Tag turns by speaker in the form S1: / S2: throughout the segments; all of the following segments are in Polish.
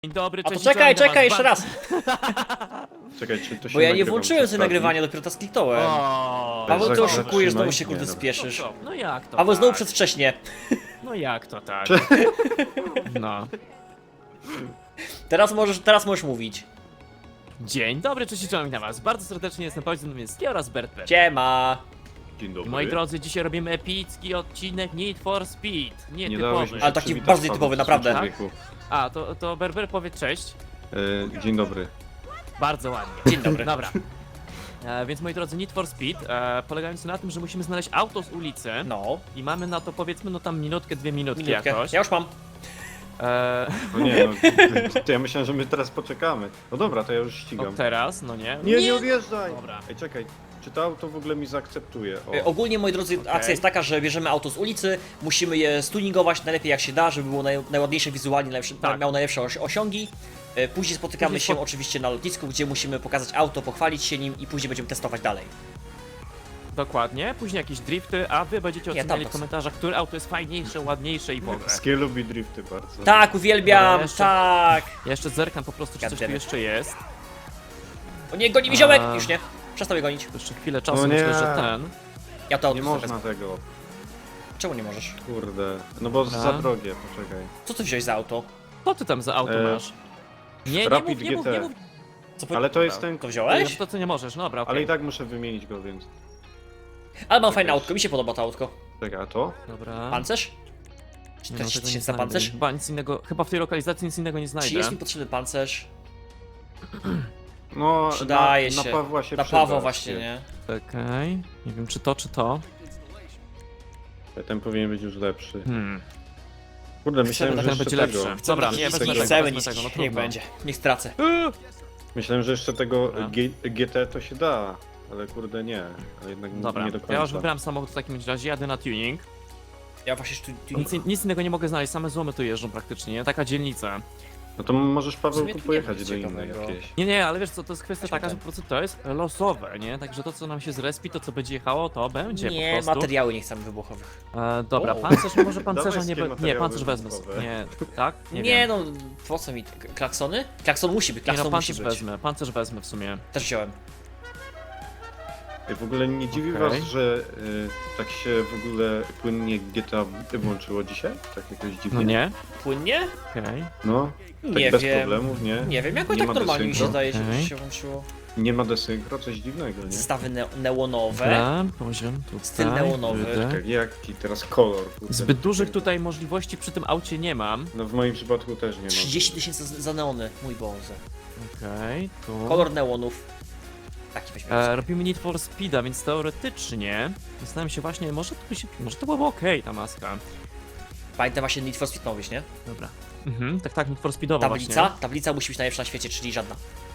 S1: Dzień dobry,
S2: A
S1: cześć.
S2: to czekaj,
S1: witam
S2: czekaj,
S1: was
S2: jeszcze raz.
S3: Czekaj, czy to się
S2: Bo ja nie
S3: nagrywa
S2: włączyłem
S3: przez
S2: sobie
S3: tablet?
S2: nagrywania, dopiero to skliknąłem.
S1: O,
S2: Paweł, ty
S3: Zatrzymaj.
S2: oszukujesz, znowu się
S3: Nie,
S2: kurde
S3: dobra.
S2: spieszysz.
S1: No jak to
S2: Paweł znowu
S1: tak?
S2: przedwcześnie.
S1: No jak to tak? No.
S2: Teraz możesz mówić.
S1: Dzień dobry, cześć, witam was. Bardzo serdecznie jestem Paweł Zamiński oraz Bertbert.
S2: Siema.
S3: Dzień dobry.
S1: Moi drodzy, dzisiaj robimy epicki odcinek Need for Speed.
S3: Nie dałeś
S1: Nietypowy.
S3: mi się
S2: Ale taki
S3: przywitać,
S2: bardzo
S3: Paweł,
S2: nietypowy,
S3: w
S2: naprawdę.
S3: człowieku.
S1: A, to Berber powie cześć.
S3: Dzień dobry.
S1: Bardzo ładnie.
S2: Dzień dobry.
S1: Dobra. Więc moi drodzy, Need for Speed polegający na tym, że musimy znaleźć auto z ulicy
S2: No,
S1: i mamy na to powiedzmy no tam minutkę, 2 minutki
S2: minutkę.
S1: jakoś.
S2: Ja już mam.
S3: No nie, no, to ja myślałem, że my teraz poczekamy. No dobra, to ja już ścigam.
S1: Od teraz, no nie?
S3: Nie odjeżdżaj!
S1: Dobra.
S3: Ej, czekaj, czy to auto w ogóle mi zaakceptuje? O.
S2: Ogólnie, moi drodzy, akcja jest taka, że bierzemy auto z ulicy, musimy je stuningować najlepiej jak się da, żeby było najładniejsze wizualnie,
S1: Tak.
S2: miało najlepsze osiągi. Później spotykamy
S1: Później
S2: się oczywiście na lotnisku, gdzie musimy pokazać auto, pochwalić się nim i później będziemy testować dalej.
S1: Dokładnie, później jakieś drifty, a wy będziecie
S2: Nie,
S1: oceniali
S2: tam
S1: w komentarzach, które auto jest fajniejsze, ładniejsze i w ogóle.
S3: Skie lubi drifty bardzo.
S2: Tak, uwielbiam,
S1: Dobra, jeszcze-
S2: tak.
S1: Ja jeszcze zerkam po prostu, czy coś tu
S2: Goddammit.
S1: jeszcze jest.
S2: O nie, goni mi ziomek!
S1: A.
S2: Już nie. Przestał mnie gonić.
S1: Jeszcze chwilę czasu,
S3: No nie.
S1: myślę, że ten.
S2: Ja to auto
S3: Nie
S2: sobie
S3: można
S2: wezmę.
S3: tego.
S2: Czemu nie możesz?
S3: Kurde. No bo
S1: Dobra.
S3: za drogie, poczekaj.
S2: Co ty wziąłeś za auto?
S1: Co ty tam za auto masz? Nie
S3: Rapid
S1: mów, nie mów,
S3: GT.
S1: nie mów.
S2: Co
S3: Ale to jest ten...
S2: To
S1: No
S2: wziąłeś?
S1: to co nie możesz, no dobra, okej.
S3: Ale i tak muszę wymienić go, więc...
S2: Ale mam fajne autko, mi się podoba to autko.
S3: Czekaj, a to?
S1: Dobra.
S2: Pancerz?
S1: Nie,
S2: 40
S1: tego nie
S2: tysięcy na
S1: znajdę.
S2: pancerz?
S1: Chyba nic innego, chyba w tej lokalizacji nic innego nie
S2: Czy
S1: znajdę.
S2: jest mi potrzebny pancerz?
S3: No,
S2: Przydaje
S3: na
S2: się.
S3: Pawła się
S2: Na
S3: przyda.
S2: Pawła właśnie, nie?
S1: Czekaj. Nie wiem, czy to, czy to.
S3: Ten powinien być już lepszy. Kurde,
S1: Chcemy,
S3: myślałem, że
S1: ten
S3: jeszcze
S1: będzie
S3: tego.
S1: lepszy. Dobra, nie, wezmę
S2: Nie
S1: tego,
S2: chcemy
S1: wezmę
S2: niskich,
S1: tego, no
S2: niech
S1: trudno.
S2: będzie. Niech stracę.
S3: Myślałem, że jeszcze tego
S1: Dobra.
S3: GT to się da, ale kurde nie. Ale jednak
S1: Dobra,
S3: nie do końca.
S1: ja już wybrałem samochód w takim razie, jadę na tuning.
S2: Ja właśnie tu
S1: Nic innego nie mogę znaleźć, same złomy tu jeżdżą praktycznie, nie? Taka dzielnica.
S3: No to możesz
S2: W
S3: Paweł
S2: sumie tu nie
S3: pojechać
S2: ma
S3: do innej
S2: ciekawego.
S3: jakiejś.
S1: Nie, ale wiesz co, to jest kwestia
S2: Właśnie
S1: taka, że
S2: ten.
S1: po prostu to jest losowe, nie? Także to, co nam się zrespi, to co będzie jechało, to będzie po
S2: Nie,
S1: prostu.
S2: materiały nie chcemy wybuchowych.
S1: Dobra,
S2: O.
S1: pancerz, może pancerza
S3: Dawaj
S1: nie
S3: skie
S1: be... Nie, pancerz
S3: materiały
S1: wezmę.
S3: wybuchowe.
S1: Nie, tak?
S2: Nie,
S1: wiem.
S2: no, po co mi klaksony? Klakson musi być,
S1: Nie no,
S2: klakson musi
S1: pancerz
S2: być.
S1: wezmę, pancerz wezmę w sumie.
S2: Też wziąłem.
S3: I w ogóle nie dziwi
S1: Okej.
S3: was, że tak się w ogóle płynnie GTA włączyło dzisiaj? Tak jakoś dziwnie.
S1: No nie?
S2: Płynnie?
S1: Okej.
S3: No, tak
S2: Nie
S3: bez
S2: wiem.
S3: problemów, nie?
S2: Nie wiem, jakoś
S3: Nie
S2: tak
S3: ma
S2: normalnie mi się
S3: desynchro?
S2: zdaje, że
S1: Okej.
S2: się włączyło.
S3: Nie ma desynchro, coś dziwnego, nie?
S2: Zestawy neonowe.
S1: Dobra, poziom tutaj.
S2: Styl neonowy.
S1: wyjdę.
S3: Tak, jaki teraz kolor? Kurde.
S1: Zbyt dużych tutaj możliwości przy tym aucie nie mam.
S3: No w moim przypadku też nie ma.
S2: 30 tysięcy za neony, mój Boże.
S1: Okej, tu.
S2: Kolor neonów. Taki weźmiemy.
S1: Robimy Need for Speeda, więc teoretycznie zastanawiam się właśnie, może to byłoby okej ta maska.
S2: Pamiętam właśnie Need for Speed mówisz, nie?
S1: Dobra. Tak, Need for Speedowa
S2: Tablica?
S1: właśnie.
S2: Tablica musi być najlepsza na świecie, czyli żadna.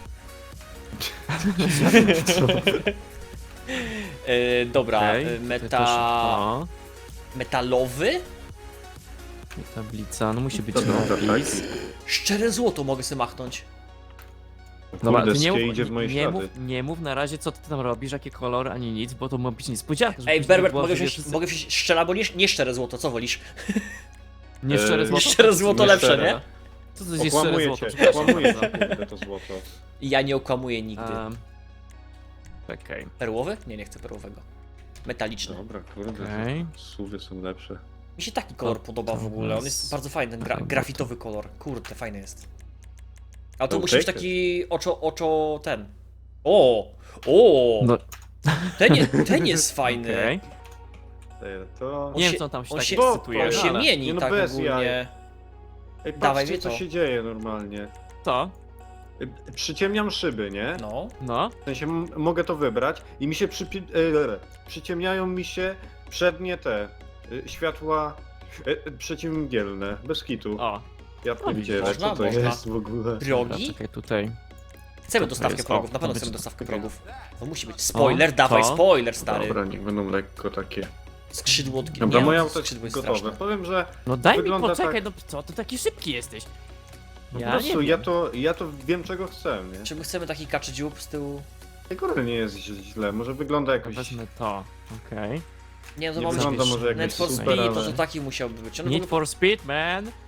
S2: Dobra,
S1: Okej, tutaj to szybko.
S2: metalowy?
S1: I tablica, no musi być
S3: To dobra,
S1: napis.
S3: tak.
S2: Szczere złoto mogę sobie machnąć.
S1: Dobra,
S3: Kurde,
S1: ty nie
S3: skie
S1: mów,
S3: idzie w moje
S1: nie, mów,
S3: ślady.
S1: nie mów na razie co ty tam robisz, jakie kolory, ani nic, bo to ma być niespodzianka. żeby
S2: Ej,
S1: później
S2: Berbert,
S1: było,
S2: mogę
S1: że
S2: wziąć,
S1: wszyscy-
S2: mogę wziąć szczere albo nie szczere złoto, co wolisz?
S1: Nie szczere złoto?
S2: Szczere złoto
S3: Nie
S2: lepsze,
S3: szczere.
S2: nie?
S1: Co to jest szczere
S3: Okłamuję
S1: złoto?
S3: cię,
S1: Przepraszam
S3: okłamuję
S1: bardzo.
S3: cię, kurde, to złoto.
S2: Ja nie okłamuję nigdy.
S1: Czekaj.
S2: Perłowy? Nie, nie chcę perłowego. Metaliczny.
S3: Dobra, kurde,
S1: Okej.
S3: suwy są lepsze.
S2: Mi się taki kolor podoba w ogóle, on jest bardzo fajny, ten
S1: Dobra,
S2: grafitowy kolor. Kurde, fajny jest. A to
S3: No,
S2: musi być
S3: piękny.
S2: taki ten. O! O!
S1: No,
S2: Ten jest fajny.
S1: okej.
S3: To...
S2: On
S1: Nie
S2: się-
S1: wiem co on tam się
S2: on
S1: tak
S2: się-
S1: ekscytuje.
S2: On się
S1: ale-
S2: mieni
S3: Nie no,
S2: tak
S3: bez
S2: ogólnie.
S3: jaj. Ej,
S2: Dawaj
S3: patrzcie,
S2: mi
S3: co
S2: to.
S3: się dzieje normalnie.
S1: Co?
S3: Przyciemniam szyby, nie?
S2: No.
S1: No?
S3: W sensie mogę to wybrać i mi się przyciemniają mi się przednie te światła przeciwmgielne, bez kitu.
S1: O.
S3: Ja
S1: No,
S3: pierdzielę,
S2: można,
S3: co to
S2: można.
S3: jest w ogóle?
S1: Dobra,
S2: Progi?
S1: czekaj tutaj.
S2: Chcemy
S1: to
S2: dostawkę
S1: jest?
S2: progów,
S1: O,
S2: na pewno
S1: to
S2: chcemy
S1: będzie-
S2: dostawkę progów. To musi być. Spoiler,
S1: O,
S2: dawaj,
S1: to.
S2: spoiler, stary.
S3: Dobra, niech będą lekko takie.
S2: Skrzydło od
S3: Dobra, moje
S2: nie,
S3: auto jest
S2: skrzydło jest
S3: gotowe.
S2: straszne.
S3: Powiem, że
S1: No daj mi
S3: Wygląda
S1: poczekaj,
S3: tak-
S1: no co, ty taki szybki jesteś.
S3: po
S1: Ja
S3: prostu
S1: nie
S3: ja to wiem czego chcę, nie?
S2: Czy my chcemy taki kaczy dziób z tyłu?
S3: Tego nie jest źle, może wygląda jakoś...
S1: Wezmę to, okej.
S2: Nie, no to
S3: Nie
S2: ma być
S3: wygląda może jakoś
S2: Need for
S3: super,
S2: Speed, to
S3: ale...
S2: taki musiałby być. On w
S1: Need
S2: ogóle
S1: for Speed, man.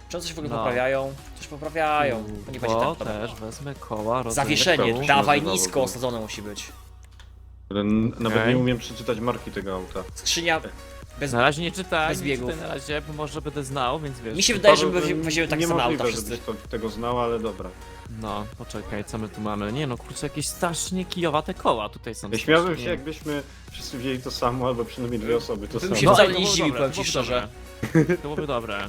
S2: Czy one coś w ogóle
S1: No.
S2: poprawiają? Coś poprawiają. To nie będzie
S1: O,
S2: tak. Dobra.
S1: też wezmę koła, rodzaj
S2: Zawieszenie,
S3: Jak to
S2: dawaj
S3: się nazywało
S2: nisko
S3: to?
S2: osadzone musi być.
S3: Nawet
S1: Okej.
S3: nie umiem przeczytać marki tego auta.
S2: Skrzynia bez...
S1: Na razie nie czytaj,
S2: Bez
S1: nie
S2: biegów.
S1: czytaj na razie, bo może będę znał, więc wiesz.
S2: Mi się wydaje, że
S3: Paweł,
S2: my weźmiemy takie same
S3: niemożliwe,
S2: auta wszyscy.
S3: żebyś tego znał, ale dobra.
S1: No, poczekaj, co my tu mamy? Nie no, kurczę, jakieś strasznie kijowate koła tutaj są.
S3: Ja śmiałbym się,
S1: strasznie.
S3: jakbyśmy wszyscy wzięli to samo, albo przynajmniej dwie osoby to
S2: Bym
S3: samo.
S2: się
S1: No,
S2: wcale
S1: ej, to
S2: nie
S1: byłoby
S2: zdziwił,
S1: dobre,
S2: powiem
S1: to
S2: ci
S1: byłoby
S2: szczerze.
S1: dobre. To byłoby dobre.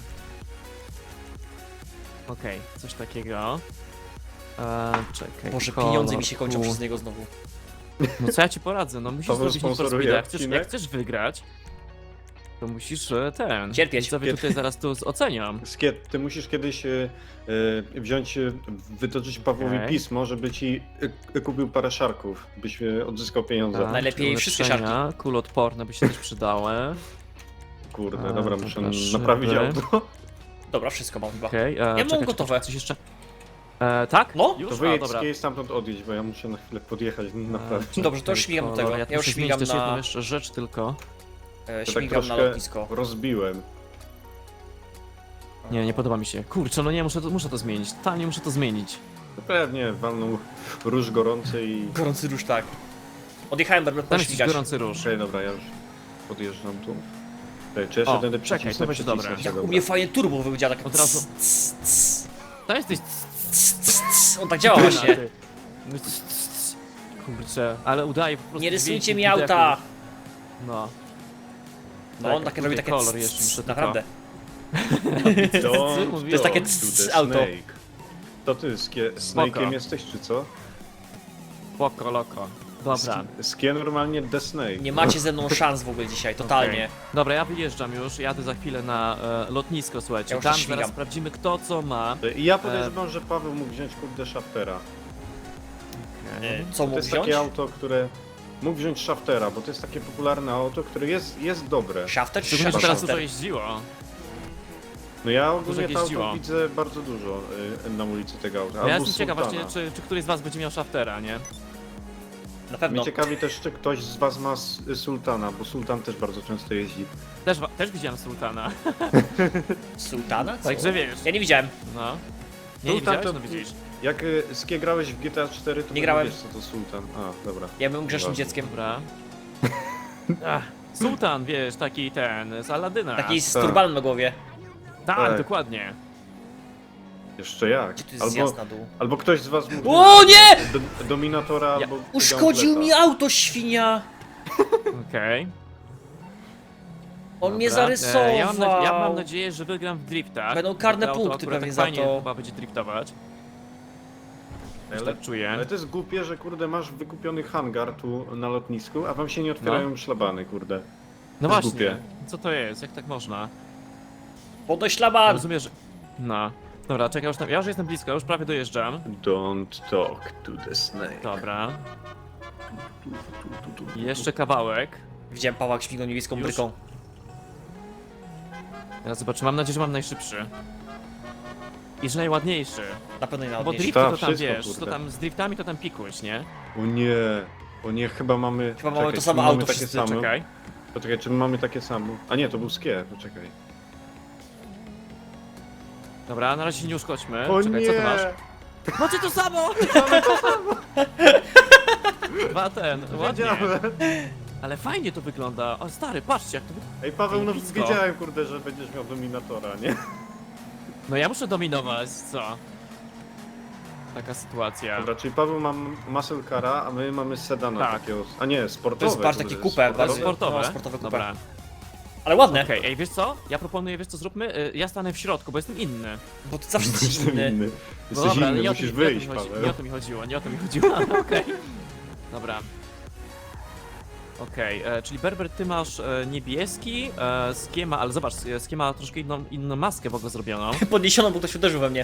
S1: Okej, coś takiego. Czekaj.
S2: Boże,
S1: kolor,
S2: pieniądze mi się kończą
S1: tu.
S2: przez niego znowu.
S1: No co ja ci poradzę? No musisz
S3: Paweł
S1: zrobić Need for
S3: sponsoruje
S1: Speeda.
S3: odcinek?
S1: Jak chcesz wygrać, to musisz
S2: Cierpieć.
S1: Widzowie tutaj zaraz tu ocenią.
S3: Skiet, ty musisz kiedyś wziąć, wytoczyć Pawłowi
S1: Okej.
S3: pismo, żeby ci kupił parę szarków, byś odzyskał pieniądze.
S1: Tak,
S2: Najlepiej wszystkie
S1: ulepszenia, kuloodporne by się też przydały.
S3: Kurde,
S1: A,
S3: dobra,
S1: dobra,
S3: muszę
S1: szyby.
S3: naprawić auto.
S2: Dobra, wszystko mam chyba.
S1: Okej,
S2: mam
S1: czekaj,
S2: gotowe.
S1: Coś jeszcze. Tak?
S2: No.
S1: Już?
S3: To
S1: A,
S3: wyjedź
S1: dobra.
S3: z stamtąd odjedź, bo ja muszę na chwilę podjechać, naprawdę.
S2: Dobrze, to już śmigam do tego.
S1: Kolor.
S2: Ja
S1: tu
S2: już
S1: muszę zmienić
S2: śmigam
S1: też
S2: na-
S1: jedną jeszcze rzecz tylko.
S3: To tak
S2: Śmigam na
S3: troszkę
S2: lotnisko.
S3: rozbiłem.
S1: Nie podoba mi się. Kurczę, no nie, muszę to zmienić. Totalnie muszę to zmienić.
S3: To pewnie walnął róż gorący i...
S2: Gorący róż, tak. Odjechałem, będę
S1: Tam jest jakiś
S2: pośmigać.
S1: gorący róż.
S3: Okej, dobra, ja już podjeżdżam tu. Czy jeszcze
S1: O,
S3: będę
S1: czekaj,
S3: przycisnąć,
S1: to będzie dobre.
S3: przycisnąć,
S2: Jak u
S3: dobra.
S2: mnie fajnie turbo wywiedziała tak
S1: Od razu. To jesteś...
S2: On tak działa właśnie.
S1: Kurczę, ale udaje po prostu
S2: Nie rysujcie
S1: dźwięki
S2: mi
S1: widechu.
S2: auta!
S1: No.
S2: No on
S1: Tak,
S2: takie robi takie
S1: kolor jeszcze muszę tylko-
S2: naprawdę.
S3: Don't
S1: To
S2: jest takie
S3: talk to the
S2: auto.
S3: snake. To ty Snake'iem jesteś, czy co?
S1: Spoko, loko. Dobra.
S3: Skie normalnie The Snake.
S2: Nie macie ze mną szans w ogóle dzisiaj, totalnie.
S1: Okej. Dobra, ja wyjeżdżam już, jadę za chwilę na lotnisko, słuchajcie.
S2: Ja już
S1: Tam
S2: też śmigam.
S1: zaraz sprawdzimy kto co ma.
S3: I ja podejrzewam, że Paweł mógł wziąć kurde Shaftera.
S2: Co
S3: To
S2: mógł
S3: jest
S2: wziąć?
S3: takie auto, które... Mógł wziąć Shaftera, bo to jest takie popularne auto, które jest dobre.
S2: Shafter czy
S1: Szczególnie, że teraz dużo
S2: Shafter?
S1: jeździło.
S3: No ja ogólnie
S1: Dużo
S3: to
S1: jeździło.
S3: auto widzę bardzo dużo na ulicy tego auta.
S1: Ja
S3: Albo
S1: jestem ciekaw
S3: Sultana.
S1: właśnie, czy któryś z was będzie miał Shaftera, nie?
S2: Na pewno.
S3: Mnie ciekawi też, czy ktoś z was ma Sultana, bo Sultan też bardzo często jeździ.
S1: Też widziałem Sultana,
S2: Sultana? Co?
S1: także wiesz.
S2: Ja nie widziałem.
S1: No. Nie
S3: Sultan
S1: widziałeś?
S3: to-
S1: No widzisz.
S3: Jak Skie grałeś w GTA 4, to
S2: Nie grałem.
S3: wiesz co to Sultan. A, dobra.
S2: Ja byłem grzesznym
S3: Nieważne.
S2: dzieckiem.
S1: Dobra. Ach, Sultan, wiesz, taki ten, z Aladyna.
S2: Taki z
S3: Tak.
S2: turbanem na głowie.
S1: Tak,
S3: tak.
S1: dokładnie.
S3: Jeszcze jak.
S2: Gdzie tu jest zjazd na dół?
S3: Albo ktoś z was mógł
S2: O nie!
S3: Dominatora albo
S2: Uszkodził mi
S3: Gauntleta.
S2: auto, świnia!
S1: Okej.
S2: On mnie
S1: Dobra.
S2: zarysował.
S1: Ja mam nadzieję, że wygram w driftach.
S2: Będą karne
S1: To auto
S2: punkty
S1: akurat
S2: pewnie
S1: tak
S2: za
S1: fajnie
S2: to.
S1: chyba będzie driftować. Już
S3: Ale,
S1: tak czuję.
S3: ale to jest głupie, że kurde masz wykupiony hangar tu na lotnisku, a wam się nie otwierają szlabany, kurde.
S1: No
S3: to jest
S1: właśnie,
S3: głupie.
S1: co to jest? Jak tak można?
S2: Podnoś szlaban!
S1: Rozumiesz, że... No. Dobra, czekaj, ja już jestem blisko, już prawie dojeżdżam.
S3: Don't talk to the snake.
S1: Dobra. Jeszcze kawałek.
S2: Widziałem Pawła jak śmignął niebieską
S1: Już?
S2: bryką.
S1: Teraz zobaczę, mam nadzieję, że mam najszybszy. I że najładniejszy.
S2: Na pewno nie
S1: Bo
S2: najładniejszy.
S1: drifty to tam
S3: wszystko,
S1: wiesz,
S3: kurde.
S1: to tam z driftami to tam pikuś, nie?
S3: O nie, chyba mamy...
S2: Chyba mamy to
S3: czy
S2: samo
S3: my mamy
S2: auto
S3: takie
S2: wszyscy,
S3: same?
S1: Czekaj.
S3: Poczekaj, czy my mamy takie same? A nie, to był Skie, poczekaj.
S1: Dobra, na razie się nie uszkodźmy.
S3: O
S1: Czekaj,
S3: nie!
S1: co ty masz? Macie to samo! Dwa ładnie.
S3: Wiedziałem.
S1: Ale fajnie to wygląda. O stary, patrzcie jak to wygląda.
S3: Ej Paweł, no
S1: Blisko.
S3: wiedziałem kurde, że będziesz miał Dominatora, nie?
S1: No ja muszę dominować, co? Taka sytuacja.
S3: Dobra, czyli Paweł ma muscle cara, a my mamy sedana
S1: Tak.
S3: takiego... A nie, sportowe.
S2: To jest patrz,
S3: kurde,
S2: takie kupę,
S1: To jest
S2: bardzo-
S1: sportowe?
S2: No, sportowe kupę.
S1: Dobra.
S2: Ale ładne,
S1: Okej, ej, wiesz co? Ja proponuję, wiesz co zróbmy? Ja stanę w środku, bo jestem inny.
S2: bo ty zawsze jesteś
S3: Jestem
S2: inny.
S3: inny.
S1: No
S3: Jesteś
S1: dobra, ale
S3: inny,
S1: nie o
S3: musisz
S1: to,
S3: wyjść,
S1: nie o to mi chodzi,
S3: Paweł.
S1: nie o to mi chodziło, nie o to mi chodziło, ale okej. Dobra. Okej, czyli Berber, ty masz niebieski, Skiema, ale zobacz, Skiema troszkę inną maskę w ogóle zrobioną.
S2: Podniesiono, bo ktoś uderzył we mnie.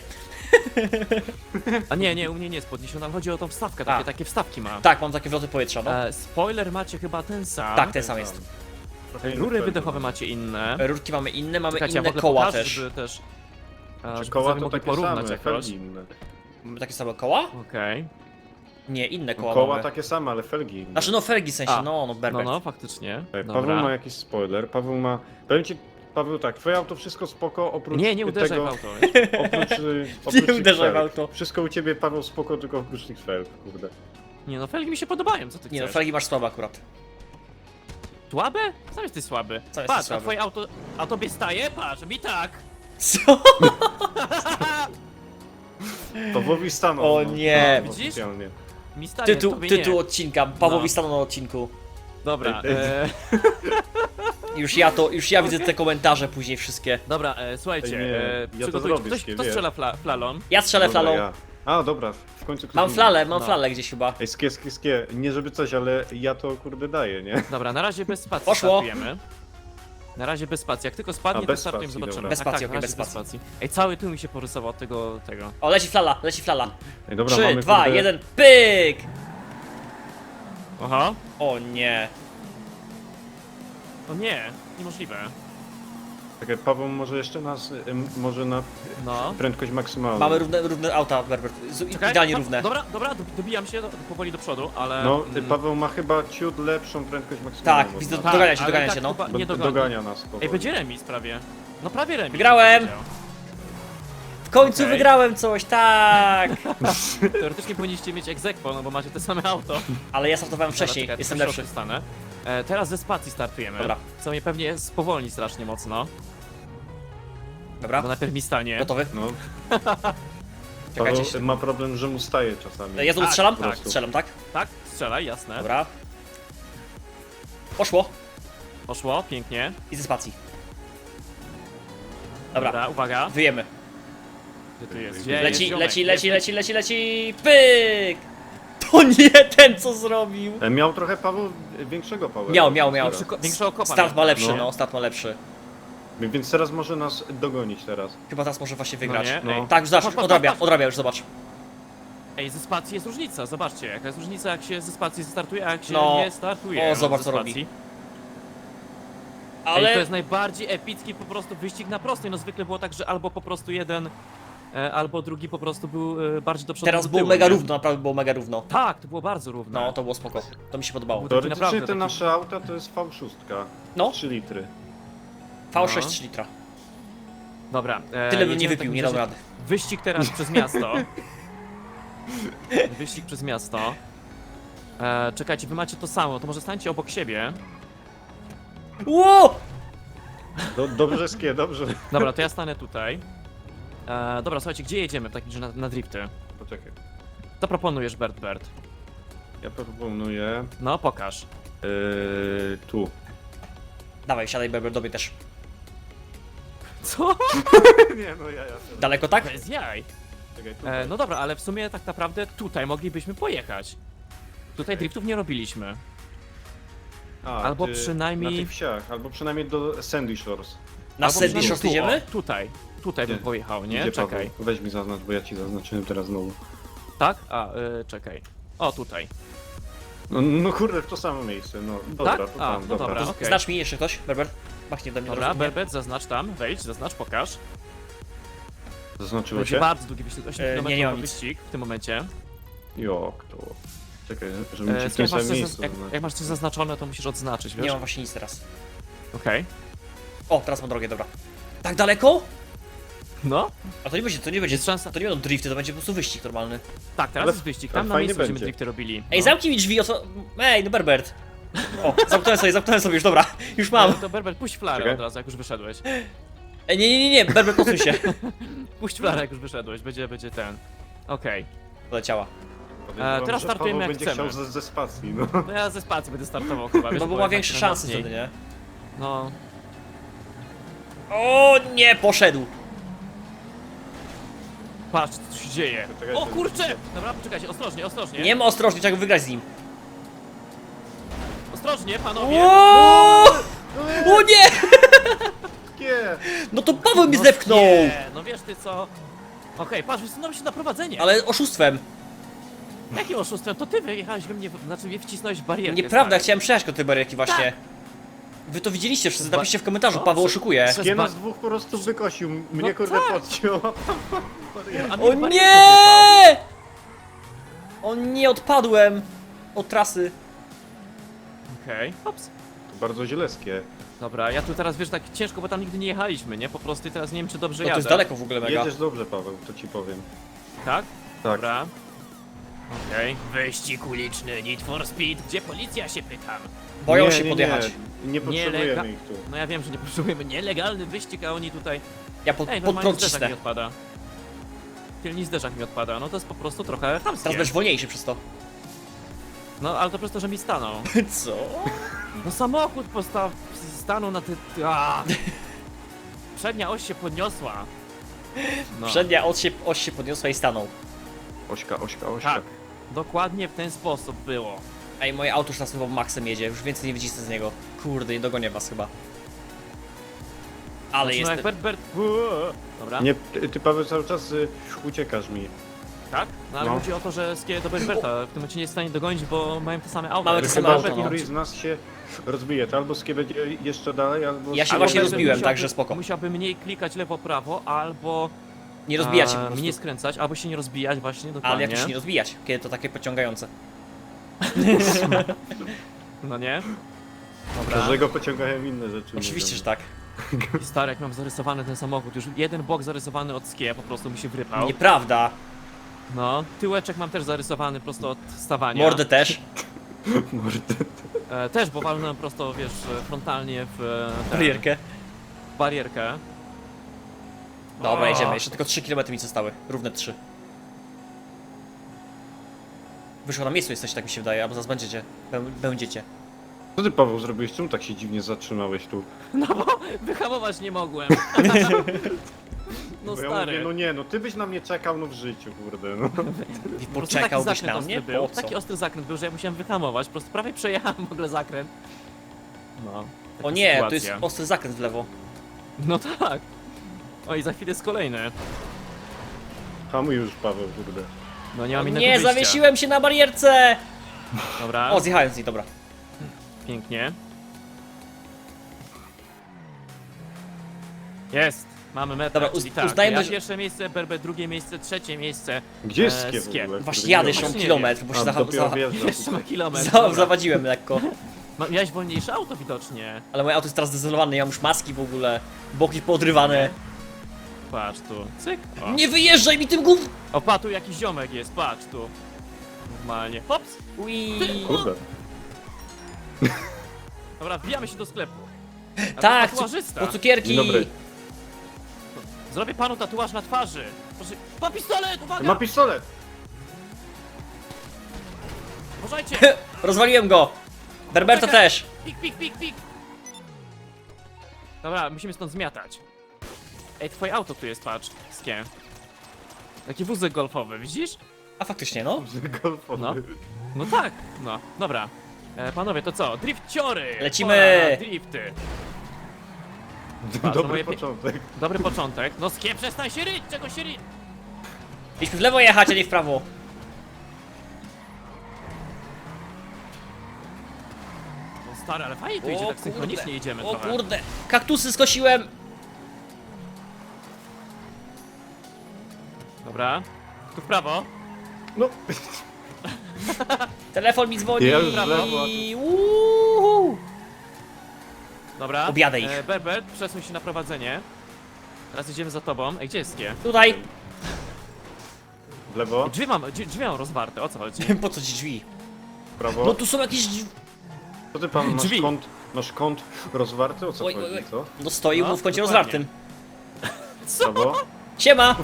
S1: A nie, u mnie nie jest podniesiona, ale chodzi o tą wstawkę,
S2: A.
S1: takie wstawki ma.
S2: Tak, mam takie wloty powietrza, no.
S1: Spoiler macie chyba ten sam.
S2: Tak, ten sam jest.
S3: Trochę inny
S1: Rury
S3: fel.
S1: wydechowe macie inne.
S2: Rurki mamy inne, mamy
S1: Czekajcie, ja w
S2: inne
S1: ogóle
S2: koła
S1: pokażę,
S2: też.
S1: żeby też...
S3: Czy
S1: żeby
S3: koła
S1: sobie
S3: to
S1: mogli
S3: takie
S1: porównać
S3: same,
S1: jakoś.
S3: felgi inne.
S2: Mamy takie same koła?
S1: Okej.
S2: Nie, inne koła
S3: Koła
S2: mamy.
S3: takie same, ale felgi inne.
S2: Znaczy no felgi w sensie,
S1: A,
S2: no
S1: No,
S2: Berber.
S1: no, faktycznie.
S3: Paweł
S1: Dobra.
S3: ma jakiś spoiler, Paweł ma... Powiem ci, Paweł, tak, twoje auto wszystko spoko, oprócz
S1: Nie uderzaj
S3: tego,
S1: w auto.
S3: oprócz tych
S2: uderzaj w
S3: felg.
S2: auto.
S3: Wszystko u ciebie, Paweł, spoko, tylko oprócz tych felg, kurde.
S1: Nie no, felgi mi się podobają, co ty
S2: Nie no,
S1: chcesz?
S2: felgi masz słabe akurat.
S1: Słabe? Sam jesteś słaby.
S2: Sam jesteś
S1: Patrz, a
S2: słaby.
S1: twoje auto... A tobie staje? Patrz, mi tak.
S2: Co?
S3: Pawłowi stanął.
S2: O nie.
S3: No,
S1: Widzisz?
S3: oficjalnie.
S1: Mi staje, tobie nie.
S2: Tytuł odcinka, Pawłowi
S1: No.
S2: stanął na odcinku.
S1: Dobra,
S3: Ej,
S2: Już ja widzę te komentarze później wszystkie.
S1: dobra, słuchajcie,
S3: Ej, nie, ja to
S1: przygotujcie.
S3: zrobię,
S1: Kto
S3: skie,
S1: strzela flalą?
S2: Ja strzelę
S3: Dobra,
S2: flalą.
S3: ja. A, dobra, w końcu ktoś
S2: Mam
S3: inny.
S2: flalę,
S1: No.
S2: gdzieś chyba.
S3: Ej, skie, nie żeby coś, ale ja to kurde daję, nie?
S1: Dobra, na razie bez spacji
S2: Poszło.
S1: startujemy. Na razie bez spacji, jak tylko spadnie,
S3: A,
S1: to
S3: bez
S1: startujemy,
S3: spacji,
S1: zobaczymy.
S3: dobra.
S2: Bez
S1: Tak,
S2: spacji,
S1: tak,
S2: okej,
S1: na razie
S2: bez spacji.
S1: Ej, cały tył mi się porysował od tego.
S2: O, leci flala.
S3: Ej, dobra,
S2: 3,
S3: mamy
S2: 2,
S3: kurde...
S2: 1, pyk!
S1: Aha.
S2: O nie.
S1: O nie, niemożliwe.
S3: Czekaj, Paweł może jeszcze nas, może na
S1: No.
S3: prędkość maksymalną.
S2: Mamy równe auta, Berbert.
S1: Czekaj,
S2: Idealnie
S1: no,
S2: równe.
S1: Dobra, dobijam się powoli do przodu, ale...
S3: No,
S1: mm,
S3: Paweł ma chyba ciut lepszą prędkość maksymalną.
S2: Tak,
S3: od
S2: widzę,
S3: nas.
S1: tak,
S2: dogania się,
S1: ale
S2: dogania
S1: tak
S2: się, no.
S1: chyba nie dogoni.
S3: Dogania nas powoli.
S1: Ej, będzie remis prawie. No prawie remis.
S2: Wygrałem!
S1: bym powiedział.
S2: W końcu
S1: Okej.
S2: wygrałem coś, tak!
S1: Teoretycznie powinniście mieć egzekwo, no bo macie te same auto.
S2: Ale ja startowałem wcześniej,
S1: Dobra, czekaj,
S2: jestem
S1: tylko
S2: lepszy.
S1: środku stanę. Teraz ze spacji startujemy.
S2: Dobra.
S1: Co mnie pewnie spowolni strasznie mocno.
S2: Dobra,
S1: Bo najpierw mi stanie.
S2: gotowy?
S3: No,
S2: Czekajcie
S3: Paweł ma problem, że mu staje czasami.
S2: Ja znowu
S1: Tak,
S2: strzelam?
S3: tak.
S2: Strzelam, tak?
S1: Tak, strzelaj, jasne.
S2: Dobra. Poszło.
S1: Poszło, pięknie.
S2: I ze spacji. Dobra,
S1: Dobra, uwaga.
S2: wyjemy.
S1: Gdzie tu jest?
S3: Leci,
S2: Leci, pyk! To nie ten, co zrobił!
S3: Miał trochę Paweł większego Pawła.
S2: Miał.
S1: Większego kopa.
S2: Start ma lepszy,
S3: No.
S2: no, start ma lepszy.
S3: Więc teraz może nas dogonić teraz.
S2: Chyba teraz może właśnie wygrać.
S1: nie?
S3: No.
S1: Ej,
S2: Tak, już zobacz,
S1: Patrz, patrz, patrz.
S2: odrabia, już zobacz.
S1: Ej, ze spacji jest różnica, zobaczcie. Jaka jest różnica, jak się ze spacji startuje, a jak się
S2: No.
S1: nie startuje.
S2: O, zobacz,
S1: ze
S2: co robi.
S1: spacji.
S2: Ale...
S1: Ej, to jest najbardziej epicki po prostu wyścig na prostej. No zwykle było tak, że albo po prostu jeden, albo drugi po prostu był bardziej do przodu.
S2: Teraz
S1: do
S2: było
S1: tyłu,
S2: mega
S1: nie?
S2: równo, naprawdę było mega równo.
S1: Tak, to było bardzo równe.
S2: No, to było spoko. To mi się podobało.
S1: Był
S3: Teoretycznie
S1: naprawdę
S3: te
S1: taki-
S3: nasze auta to jest V6.
S2: No.
S3: 3 litry.
S2: V6
S1: No.
S2: 3 litra.
S1: Dobra.
S2: Tyle bym nie
S1: jedziemy w
S2: wypił,
S1: takim
S2: nie dam
S1: razie.
S2: rady.
S1: Wyścig teraz przez miasto. Wyścig przez miasto. Czekajcie, wy macie to samo, to może stańcie obok siebie.
S2: Ło!
S3: Dobrze, Skie, dobrze.
S1: Dobra, to ja stanę tutaj. Dobra, słuchajcie, gdzie jedziemy w takim razie na drifty?
S3: Poczekaj.
S1: Co proponujesz, Bert?
S3: Ja proponuję...
S1: No, pokaż.
S3: Tu.
S2: Dawaj, siadaj Berber, do mnie też.
S1: Co?
S3: Nie, no ja.
S2: Daleko tak?
S1: Bez jaj.
S3: Czekaj, tu.
S1: No dobra, ale w sumie tak naprawdę tutaj moglibyśmy pojechać. Tutaj driftów nie robiliśmy. albo przynajmniej-
S3: Na tych wsiach, albo przynajmniej do Sandy Shores.
S2: Na
S1: Albo
S2: Sandy
S1: przynajmniej
S2: Shores
S1: tu,
S2: idziemy?
S1: o, Tutaj bym
S3: Gdzie?
S1: pojechał, nie?
S3: Gdzie,
S1: Czekaj.
S3: Paweł? Weź mi zaznacz, bo ja ci zaznaczyłem teraz znowu.
S1: Tak? Czekaj. O, tutaj.
S3: No kurde, w to samo miejsce, no. Dobra,
S1: Tak?
S3: to
S1: A,
S3: tam,
S1: no
S3: dobra.
S1: dobra.
S2: To
S1: okej.
S2: Znacz mi jeszcze ktoś, Berber? Machnie do mnie
S1: Dobra,
S2: od razu.
S1: Berbet, zaznacz tam, wejdź, zaznacz, pokaż.
S3: Zaznaczyło
S1: Będzie
S3: się?
S1: bardzo długi wyścig, 8
S2: nie,
S1: km
S2: nie mam nic.
S1: wyścig w tym momencie.
S3: Jak to? Czekaj, żebym ci w
S1: Słuchaj,
S3: tym
S1: masz
S3: samym
S1: coś
S3: miejscu
S1: jak
S3: zaznaczył.
S1: masz coś zaznaczone, to musisz odznaczyć, wiesz?
S2: Nie mam właśnie nic teraz.
S1: Okej.
S2: O, teraz mam drogę, dobra. Tak daleko?
S1: No,
S2: A to nie będzie,
S1: jest szansa.
S2: to nie będą drifty, to będzie po prostu wyścig normalny.
S1: Tak, teraz
S3: Ale-
S1: jest wyścig,
S3: ale
S1: tam na
S3: fajnie
S1: miejscu będziemy
S3: będzie.
S1: drifty robili.
S2: Ej,
S1: no.
S2: zamknij mi drzwi, Ej, no Berbert. O, zamknąłem sobie już, dobra, już mam.
S1: To Berbet, puść flarę
S3: Czekaj.
S1: od razu, jak już wyszedłeś.
S2: Ej, nie, Berbert, posuń się.
S1: Puść flarę, jak już wyszedłeś, będzie ten. Okej.
S2: Poleciała.
S3: Podejrzewam,
S1: teraz
S3: że
S1: startujemy
S3: Paweł
S1: jak
S3: będzie
S1: chcemy.
S3: chciał ze spacji, no.
S1: No ja ze spacji będę startował chyba, wiesz,
S2: No bo ma
S1: jednak
S2: większe
S1: tak
S2: szanse
S1: najmocniej.
S2: wtedy, nie?
S1: No,
S2: O nie, poszedł.
S1: patrz co się dzieje.
S3: Poczekajcie,
S1: O kurczę! Dobra, poczekajcie, ostrożnie.
S2: Nie ma ostrożnie, trzeba go wygrać z nim.
S1: Ostrożnie, panowie!
S2: O nie!
S3: Nie!
S2: No to Paweł mi
S1: No
S2: zepchnął!
S1: nie, no wiesz ty co? Okej, patrz, wysunąłem się na prowadzenie.
S2: Ale oszustwem.
S1: Jakim oszustwem? To ty wyjechałeś we mnie, znaczy mnie wcisnąłeś w barierkę.
S2: Nieprawda,
S1: stary.
S2: chciałem przejechać do tej barierki właśnie. Wy to widzieliście wszyscy, napiszcie w komentarzu,
S1: No,
S2: Paweł
S1: przez-
S2: oszukuje.
S1: przez-
S3: Skie nas dwóch po prostu wykosił, mnie kurde
S1: tak.
S3: podciął.
S1: A mnie
S2: O
S1: w barierkę
S2: nie! O nie, odpadłem od trasy.
S1: wjechał. Okej, ops.
S3: To bardzo źle, Skie.
S1: Dobra, ja tu teraz, wiesz, tak ciężko, bo tam nigdy nie jechaliśmy, nie? Po prostu i teraz nie wiem, czy dobrze
S2: No to
S1: jadę.
S2: jest daleko w ogóle mega.
S3: Jedziesz dobrze, Paweł, to ci powiem.
S1: Tak?
S3: Tak.
S1: Dobra. Okej. Wyścig uliczny, Need for Speed. Gdzie policja, się pytam?
S2: Boją się podjechać.
S3: Nie potrzebujemy
S1: Nielega-
S3: ich tu.
S1: No ja wiem, że nie potrzebujemy nielegalny wyścig, a oni tutaj...
S2: Ja
S1: Ej,
S2: pod
S1: normalnie
S2: prąd
S1: zderzak
S2: cisnę.
S1: mi odpada. Tylny zderzak mi odpada, no to jest po prostu trochę chamskie.
S2: Teraz będziesz wolniejszy przez to.
S1: No, ale to przez to, że mi stanął.
S2: Co?
S1: No samochód stanął na ty... Przednia oś się podniosła. No.
S2: Przednia oś się podniosła i stanął.
S3: Ośka.
S1: Tak, dokładnie w ten sposób było.
S2: Ej, moje auto już nas chyba maksem jedzie, już więcej nie wycisnę z niego. Kurde, nie dogonię was chyba. Ale
S1: Znaczy, no
S2: jestem...
S1: jak Bert... Dobra,
S3: Nie, ty Paweł cały czas uciekasz mi.
S1: tak? No ale
S3: No.
S1: chodzi o to, że Skie do Berberta w tym momencie nie jest w stanie dogonić, bo mają te same auto.
S2: Mamy
S1: Ale
S2: te
S1: chyba
S2: same
S1: Berbert
S2: auto, no.
S3: Któryś z nas się rozbije, to albo Skie będzie jeszcze dalej, albo...
S2: Ja się
S1: albo
S2: właśnie
S1: Berbert
S2: rozbiłem,
S1: musiałby-
S2: także spoko.
S1: Musiałby mniej klikać lewo-prawo, albo...
S2: Nie rozbijać się po prostu.
S1: Mniej skręcać, albo się nie rozbijać właśnie, dokładnie.
S2: Ale jak to się nie rozbijać, kiedy to takie pociągające.
S1: No nie? Dobra.
S3: Każdego pociągają inne rzeczy.
S2: Oczywiście,
S3: mówią.
S2: że tak.
S1: I stary, jak mam zarysowany ten samochód, już jeden bok zarysowany od Skie, po prostu mi się wrypał.
S2: Nieprawda.
S1: No, tyłeczek mam też zarysowany prosto od stawania.
S2: Mordę też.
S3: Mordy.
S1: Też, bo walnąłem prosto, wiesz, frontalnie w tę
S2: Barierkę.
S1: barierkę.
S2: Dobra,
S1: O.
S2: jedziemy. Jeszcze tylko 3 km mi zostały. Równe 3. Wyszło na miejscu jesteście, tak mi się wydaje, albo zaraz będziecie. Będziecie.
S3: Co ty, Paweł, zrobiłeś? Czemu tak się dziwnie zatrzymałeś tu?
S1: No bo wyhamować nie mogłem. No
S3: Bo ja
S1: stary.
S3: mówię, no nie, no ty byś na mnie czekał, no w życiu, kurde, no.
S1: Po prostu
S2: Poczekałbyś
S1: taki
S2: na
S1: zakręt
S2: mnie?
S1: ostry był,
S2: Po co?
S1: taki ostry zakręt był, że ja musiałem wyhamować, po prostu prawie przejechałem w ogóle zakręt. No. taka
S2: O nie, tu jest
S1: sytuacja.
S2: ostry zakręt w lewo.
S1: No tak. Oj, za chwilę jest kolejny.
S3: Hamuj już, Paweł, kurde.
S1: No nie mam innego
S2: Nie,
S1: wyjścia.
S2: zawiesiłem się na barierce!
S1: Dobra,
S2: O, zjechałem z niej, dobra.
S1: pięknie. Jest! Mamy metę,
S2: Dobra,
S1: czyli tak,
S2: uznajmy,
S1: ja
S2: że-
S1: pierwsze miejsce, Berber drugie miejsce, trzecie miejsce.
S3: Gdzie jest Skie w
S1: Skie.
S3: ogóle?
S2: Właśnie
S3: Kurde,
S2: jadę
S3: nie
S2: jeszcze
S3: wiem.
S2: mam
S1: nie
S2: kilometr, bo się
S3: A, dopiero wjeżdża.
S1: Jeszcze ma kilometr.
S2: za
S1: dobra.
S2: zawadziłem lekko.
S1: Miałeś wolniejsze auto widocznie.
S2: Ale moje auto jest teraz zdezelowane, ja mam już maski w ogóle. Boki poodrywane.
S1: Patrz tu, cyk. O,
S2: Nie wyjeżdżaj mi tym gów!
S1: o pa, tu jakiś ziomek jest, patrz tu. Normalnie. Hops!
S2: Ui.
S3: Kurde.
S1: Dobra, wbijamy się do sklepu. A
S2: Tak,
S1: to tatuażysta.
S2: po cukierki.
S3: Dzień dobry.
S1: Zrobię panu tatuaż na twarzy. Proszę, pa pistolet, uwaga!
S3: Ma pistolet!
S1: Uważajcie!
S2: Rozwaliłem go. Berberta
S1: Czekaj.
S2: też.
S1: Pik, pik, pik, pik! Dobra, musimy stąd zmiatać. Ej, twoje auto tu jest, patrz, Skie. Taki wózek golfowy, widzisz?
S2: A faktycznie, no.
S3: Golfowy.
S1: No. No tak, no, dobra. Panowie, to co? Drifciory!
S2: Lecimy!
S1: Pora na drifty! to
S3: Dobry
S1: moje
S3: początek.
S1: Dobry początek. No Skie, przestań się ryć! Czego się ryć?
S2: Mieliśmy w lewo jechać, a nie w prawo.
S1: No stary, ale fajnie tu idzie, tak synchronicznie idziemy
S2: O
S1: trochę.
S2: kurde. Kaktusy skosiłem.
S1: Dobra. Tu w prawo.
S3: No,
S2: Telefon mi dzwoni.
S3: Ja już w
S1: Brawo.
S3: lewo, a
S2: Uuu.
S1: Dobra.
S2: Objadę ich.
S1: Berber, przesuń się na prowadzenie. Teraz idziemy za tobą. Ej, gdzie jest Skie?
S2: Tutaj.
S3: w lewo,
S1: Drzwi mam rozwarte, o co chodzi?
S2: Po co ci drzwi?
S3: w prawo.
S2: No tu są jakieś drzwi.
S3: Co ty, pan,
S1: Drzwi.
S3: masz kąt rozwarty? O co
S2: Oj,
S3: chodzi,
S2: oj, oj.
S3: co?
S2: No stoi
S1: No,
S2: mu w kącie
S1: dokładnie.
S2: rozwartym.
S1: Co?
S3: Prawo?
S2: Siema.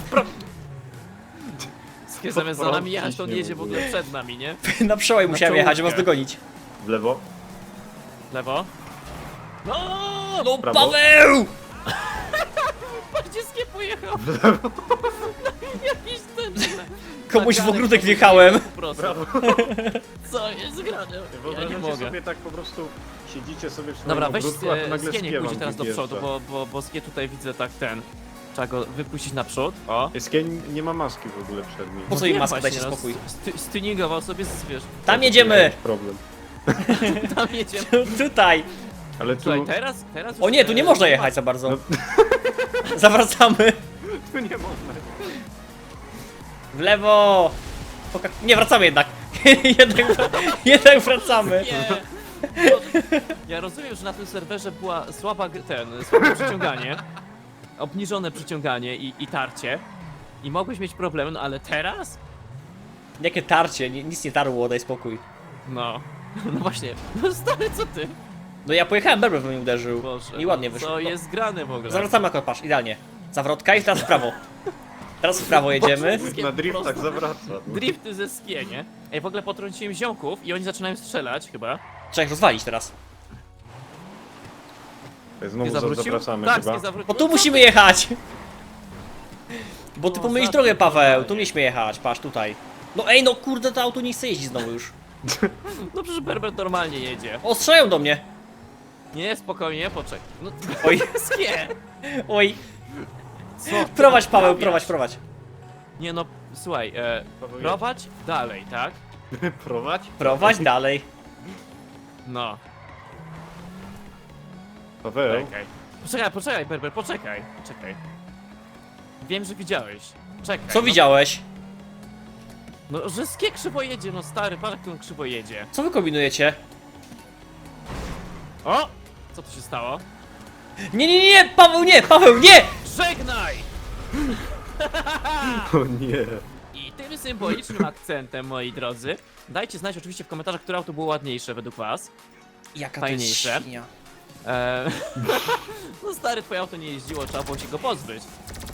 S1: Skie zamiast za nami jechać, to on
S3: Ciśnie
S1: jedzie
S3: w
S1: w
S3: ogóle.
S1: ogóle przed nami, nie?
S2: Na przełaj musiałem jechać, żeby was
S1: czołówkę.
S2: dogonić.
S3: W lewo?
S1: Lewo. No!
S2: No
S3: Prawo.
S2: Paweł!
S1: Patrz, gdzie Skie pojechał! Jakiś ten...
S2: Komuś w
S1: nagany
S2: ogródek
S1: po
S2: wjechałem.
S1: Po prostu.
S3: Brawo.
S1: Co jest grane? Ja nie
S3: Wyobrażacie
S1: mogę.
S3: sobie tak po prostu, siedzicie sobie w swoim
S1: Dobra, weź
S3: ogródku, a tu nagle
S1: Skie niech
S3: Skie
S1: pójdzie
S3: wam
S1: teraz do
S3: wyjeżdża.
S1: przodu, bo Skie tutaj widzę tak ten... Trzeba go wypuścić naprzód. O.
S3: Skie nie ma maski w ogóle przed nim.
S2: Po co im
S1: wiem
S2: maska,
S1: właśnie,
S2: dajcie spokój.
S1: Styningował sobie, wiesz,
S2: Tam jedziemy!
S3: Problem.
S1: tam jedziemy.
S2: Tutaj!
S3: Ale tu,
S1: Słuchaj, teraz już,
S2: O nie, tu nie można jechać za bardzo.
S3: No.
S2: Zawracamy.
S3: tu nie można.
S2: W lewo! Nie, wracamy jednak. jednak wracamy.
S1: Nie. Ja rozumiem, że na tym serwerze była słabe przyciąganie, obniżone przyciąganie i tarcie. I mogłeś mieć problem, no ale teraz?
S2: Jakie tarcie, nic nie tarło, daj spokój.
S1: No. No właśnie. No stary, co ty?
S2: No ja pojechałem, Berber we mnie uderzył.
S1: Boże.
S2: I ładnie
S1: no,
S2: wyszło.
S1: Co
S2: No,
S1: jest grane w ogóle?
S2: zawracamy akurat, patrz, idealnie. Zawrotka i teraz w prawo. Teraz w prawo jedziemy.
S3: Na driftach zawraca.
S1: Drifty ze skie, nie? Ej, w ogóle potrąciłem ziomków i oni zaczynają strzelać chyba.
S2: Trzeba ich rozwalić teraz.
S3: Znowu
S1: zawrócił?
S3: zawracamy
S1: Tak,
S3: chyba.
S1: nie zawrócił.
S2: Bo tu musimy jechać! Bo ty
S1: O,
S2: pomylisz
S1: za-
S2: drogę, Paweł,
S1: normalnie.
S2: tu mieliśmy jechać, patrz tutaj. No ej, no kurde, to auto nie chce jeździć znowu już.
S1: No przecież Berber normalnie jedzie.
S2: O, strzelają do mnie!
S1: Nie, spokojnie, poczekaj. No,
S2: Oj,
S1: skie!
S2: oj.
S1: Co? ty
S2: Prowadź, Paweł,
S1: naprawiasz?
S2: prowadź, prowadź.
S1: Nie no, słuchaj,
S3: Paweł,
S1: prowadź dalej, tak?
S3: Prowadź?
S2: Prowadź dalej.
S1: No,
S3: Paweł,
S1: Poczekaj, Berber, poczekaj. Wiem, że widziałeś. Czekaj.
S2: Co
S1: no,
S2: widziałeś?
S1: No, że skie krzywo jedzie, no stary, patrz jak on krzywo jedzie.
S2: Co wy kombinujecie?
S1: O! Co tu się stało?
S2: Nie, nie, nie, Paweł, nie, Paweł, nie!
S1: Żegnaj!
S3: o nie.
S1: I tym symbolicznym akcentem, moi drodzy, dajcie znać oczywiście w komentarzach, które auto było ładniejsze według was.
S2: Jaka
S1: Fajniejsze.
S2: to jest świnia.
S1: No stary, twoje auto nie jeździło, trzeba było się go pozbyć.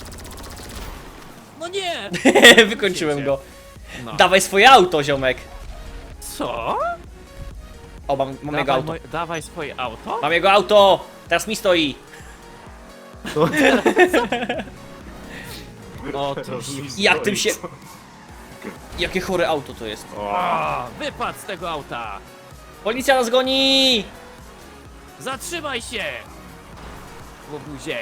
S1: No nie!
S2: Wykończyłem go.
S1: No.
S2: Dawaj swoje auto, ziomek.
S1: Co?
S2: O, mam jego auto.
S1: Dawaj swoje auto?
S2: Mam jego auto! Teraz mi stoi.
S1: O, ty
S2: Jak tym się... Jakie chore auto to jest.
S1: O, wypadł z tego auta!
S2: Policja nas goni!
S1: Zatrzymaj się! Łobuzie!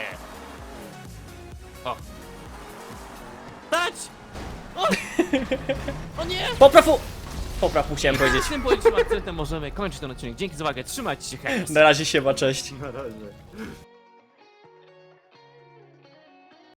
S1: O! Stać! O! O nie!
S2: Popraw mu chciałem powiedzieć.
S1: Z tym policznym akcentem możemy kończyć ten odcinek. Dzięki za uwagę, trzymajcie się, hej!
S2: Na razie siema, cześć.
S3: Na razie.